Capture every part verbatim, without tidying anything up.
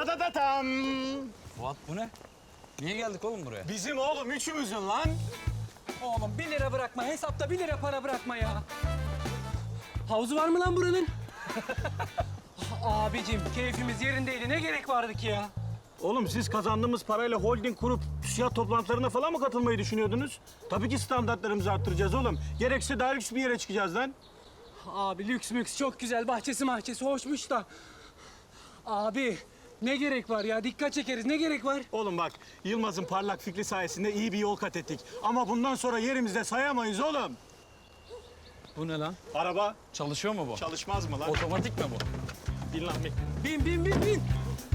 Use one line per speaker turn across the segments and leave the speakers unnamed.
Tadadatam.
Fuat bu ne? Niye geldik oğlum buraya?
Bizim oğlum üçümüzün lan.
Oğlum bir lira bırakma. Hesapta bir lira para bırakma ya. Havuzu var mı lan buranın? Abicim keyfimiz yerindeydi. Ne gerek vardı ki ya?
Oğlum siz kazandığımız parayla holding kurup TÜSİAD toplantılarına falan mı katılmayı düşünüyordunuz? Tabii ki standartlarımızı arttıracağız oğlum. Gerekse daha lüks bir yere çıkacağız lan.
Abi lüks müks çok güzel. Bahçesi mahçesi hoşmuş da. Abi ne gerek var ya? Dikkat çekeriz. Ne gerek var?
Oğlum bak, Yılmaz'ın parlak fikri sayesinde iyi bir yol kat ettik. Ama bundan sonra yerimizde sayamayız oğlum.
Bu ne lan?
Araba
Çalışıyor mu bu?
çalışmaz mı lan?
Otomatik mi bu?
Bin lan bin.
Bin bin bin bin.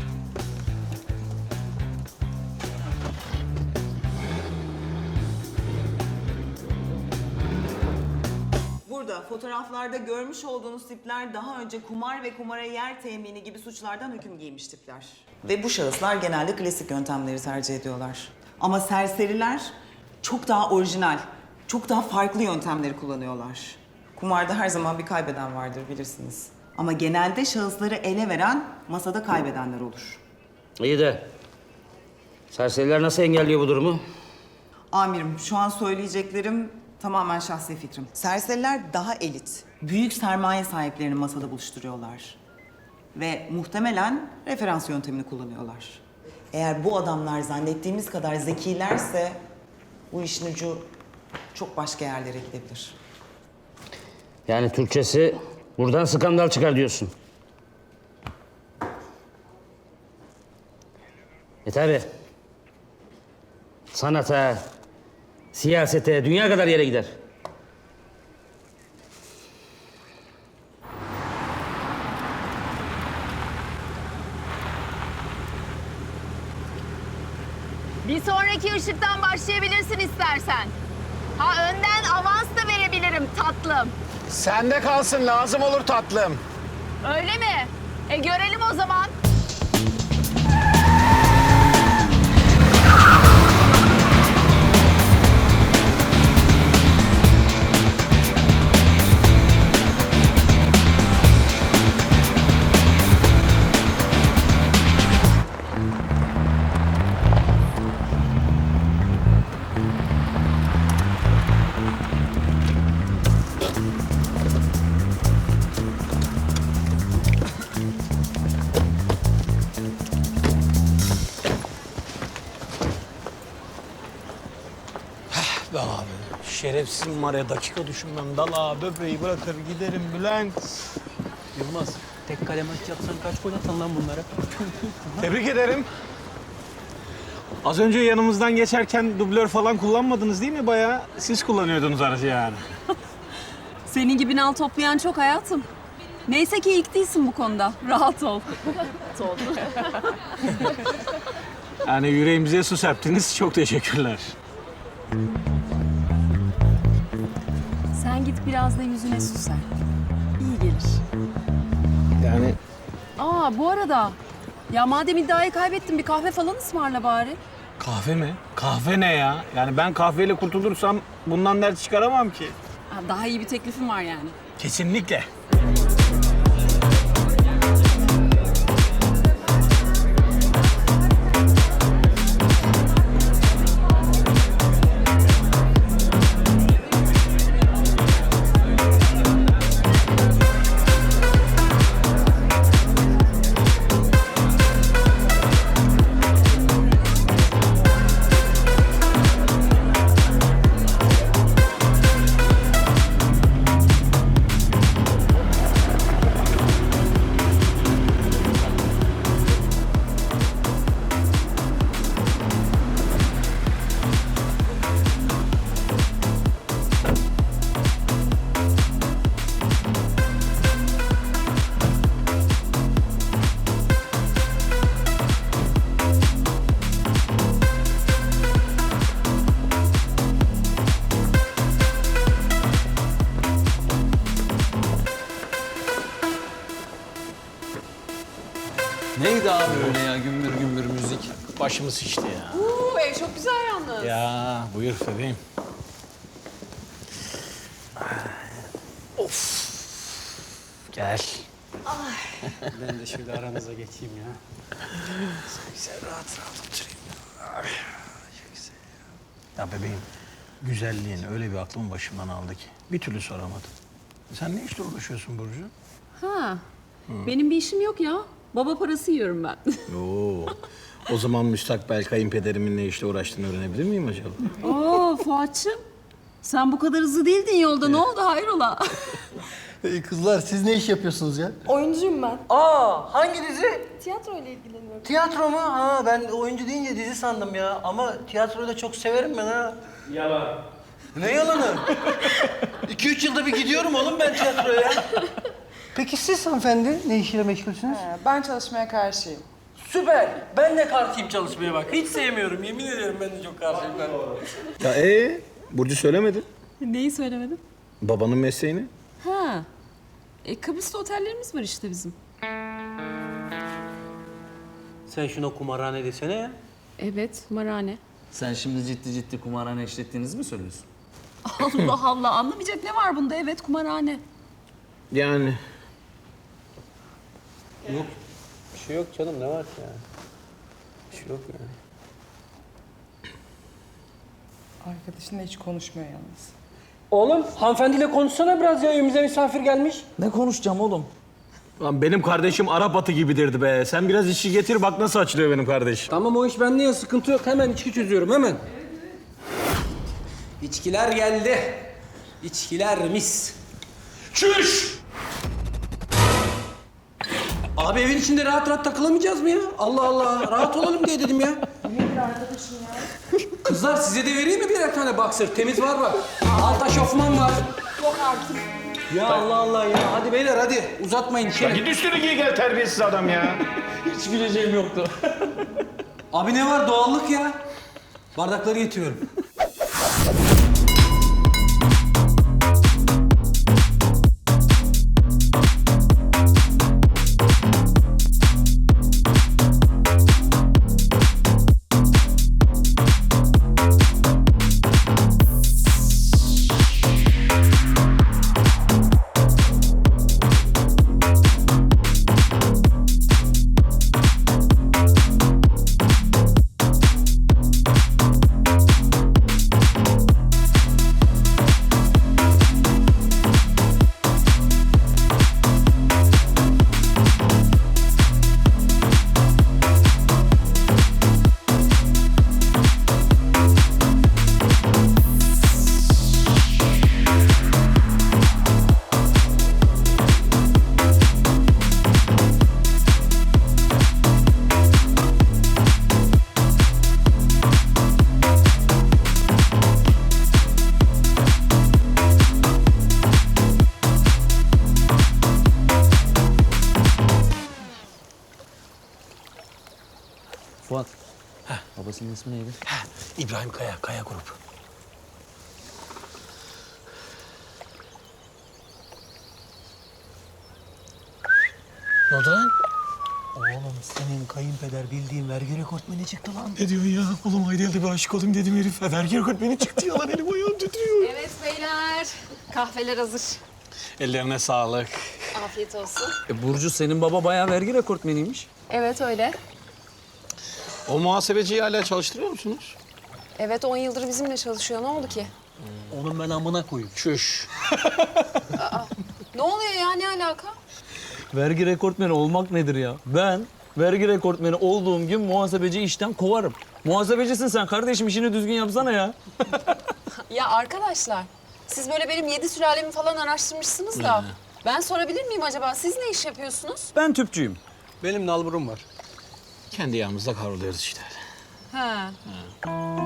Burada fotoğraflarda görmüş olduğunuz tipler daha önce kumar ve kumara yer temini gibi suçlardan hüküm giymiş tipler. Ve bu şahıslar genelde klasik yöntemleri tercih ediyorlar. Ama serseriler çok daha orijinal, çok daha farklı yöntemleri kullanıyorlar. Kumarda her zaman bir kaybeden vardır bilirsiniz. Ama genelde şahısları ele veren masada kaybedenler olur.
İyi de serseriler nasıl engelliyor bu durumu?
Amirim, şu an söyleyeceklerim tamamen şahsi fikrim. Serseriler daha elit, büyük sermaye sahiplerini masada buluşturuyorlar. Ve muhtemelen referans yöntemini kullanıyorlar. Eğer bu adamlar zannettiğimiz kadar zekilerse bu işin ucu çok başka yerlere gidebilir.
Yani Türkçesi buradan skandal çıkar diyorsun. E tabi. Sanata, siyasete, dünya kadar yere gider.
Bir sonraki ışıktan başlayabilirsin istersen. Ha önden avans da verebilirim tatlım.
Sende kalsın, lazım olur tatlım.
Öyle mi? E görelim o zaman.
Be abi, şerefsizim var ya, dakika düşünmem. Dala böbreği bırakır giderim Bülent.
Yılmaz tek kale maç yapsan kaç gol atan lan bunlara?
Tebrik ederim. Az önce yanımızdan geçerken dublör falan kullanmadınız değil mi bayağı? Siz kullanıyordunuz aracı yani.
Senin gibi nal toplayan çok hayatım. Neyse ki ilk değilsin bu konuda. Rahat ol.
Yani yüreğimize su serptiniz. Çok teşekkürler.
Sen git biraz da yüzüne su ser. İyi gelir.
Yani
Aa bu arada ya madem iddiayı kaybettin bir kahve falan ısmarla bari.
kahve mi? Kahve ne ya? Yani ben kahveyle kurtulursam bundan dert çıkaramam ki.
Ha, daha iyi bir teklifim var yani.
Kesinlikle.
Neydi abi öyle ya gümbür gümbür müzik?
Başımız şişti ya.
Oo, ev çok güzel yalnız.
Ya buyur bebeğim. Of. Gel.
Ay.
Ben de şöyle aranıza geçeyim ya.
Ya bebeğim, güzelliğin öyle bir aklım başımdan aldı ki bir türlü soramadım. Sen ne işle uğraşıyorsun Burcu?
Ha. Benim bir işim yok ya. Baba parası yiyorum ben.
Oo. O zaman müstakbel kayınpederimin ne işle uğraştığını öğrenebilir miyim acaba?
Oo Fuat'cığım. Sen bu kadar hızlı değildin yolda. Ne oldu hayrola?
Ee, kızlar siz ne iş yapıyorsunuz ya?
Oyuncuyum ben.
Aa hangi dizi?
Tiyatro ile ilgileniyorum.
Tiyatro mu? Ha ben oyuncu deyince dizi sandım ya. Ama tiyatroyu da çok severim ben ha.
Yalan.
Ne yalanı? İki üç yılda bir gidiyorum oğlum ben tiyatroya. Peki siz hanımefendi ne işle meşgulsünüz?
Ben çalışmaya karşıyım.
Süper. Ben de karşıyım çalışmaya bak. Hiç sevmiyorum. Yemin ederim ben de çok karşıyım ben.
Ya ee, Burcu söylemedi.
Neyi söylemedim?
Babanın mesleğini.
Ha. E, Kıbrıs'ta otellerimiz var işte bizim.
Sen şuna kumarhane desene ya.
Evet, kumarhane.
Sen şimdi ciddi ciddi kumarhane işlettiğinizi mi söylüyorsun?
Allah Allah, anlamayacak ne var bunda? Evet, kumarhane.
Yani
Bir şey yok canım, ne var ki ya? Bir şey yok yani.
Arkadaşınla hiç konuşmuyor yalnız.
Oğlum, hanımefendiyle konuşsana biraz ya. Evimize misafir gelmiş.
Ne konuşacağım oğlum?
lan benim kardeşim Arap atı gibidirdi be. Sen biraz içki getir bak nasıl açılıyor benim kardeş.
Tamam o iş bende ya, sıkıntı yok. Hemen içki çözüyorum, hemen. İçkiler geldi. İçkiler mis. Çüş! Abi evin içinde rahat rahat takılamayacağız mı ya? Allah Allah, rahat olalım diye dedim ya. Nedir arkadaşım ya? Kızlar size de vereyim mi birer tane boxer? Temiz var bak. Alta şofman var.
Yok artık.
Ya Allah Allah ya. Hadi beyler hadi. Uzatmayın içeri.
Git üstünü giy gel terbiyesiz adam ya.
Hiç bileceğim yoktu. Abi ne var? Doğallık ya. Bardakları getiriyorum.
Fuat. Babasının ismi neydi?
İbrahim Kaya, Kaya Grup.
Ne oldu lan? Oğlum senin kayınpeder bildiğin vergi rekortmeni çıktı lan.
Ne diyorsun ya? Oğlum Ayda'ya bir aşık olayım dedim herif. Vergi rekortmeni çıktı ya lan elim ayağım titriyor.
Evet beyler. Kahveler hazır.
Ellerine sağlık.
Afiyet olsun.
E Burcu senin baba bayağı vergi rekortmeniymiş.
Evet öyle.
O muhasebeciyi hala çalıştırıyor musunuz?
Evet on yıldır bizimle çalışıyor. Ne oldu ki?
Onun ben amına koyayım.
Çüş.
Ne oluyor ya? Ne alaka?
Vergi rekortmeni olmak nedir ya? Ben vergi rekortmeni olduğum gün muhasebeci işten kovarım. Muhasebecisin sen kardeşim, işini düzgün yapsana ya.
Ya arkadaşlar, siz böyle benim yedi sülalemi falan araştırmışsınız da... Ben sorabilir miyim acaba? Siz ne iş yapıyorsunuz?
Ben tüpçüyüm.
Benim nalburum var.
Kendi yağımızda kavruluyoruz işte.
Ha.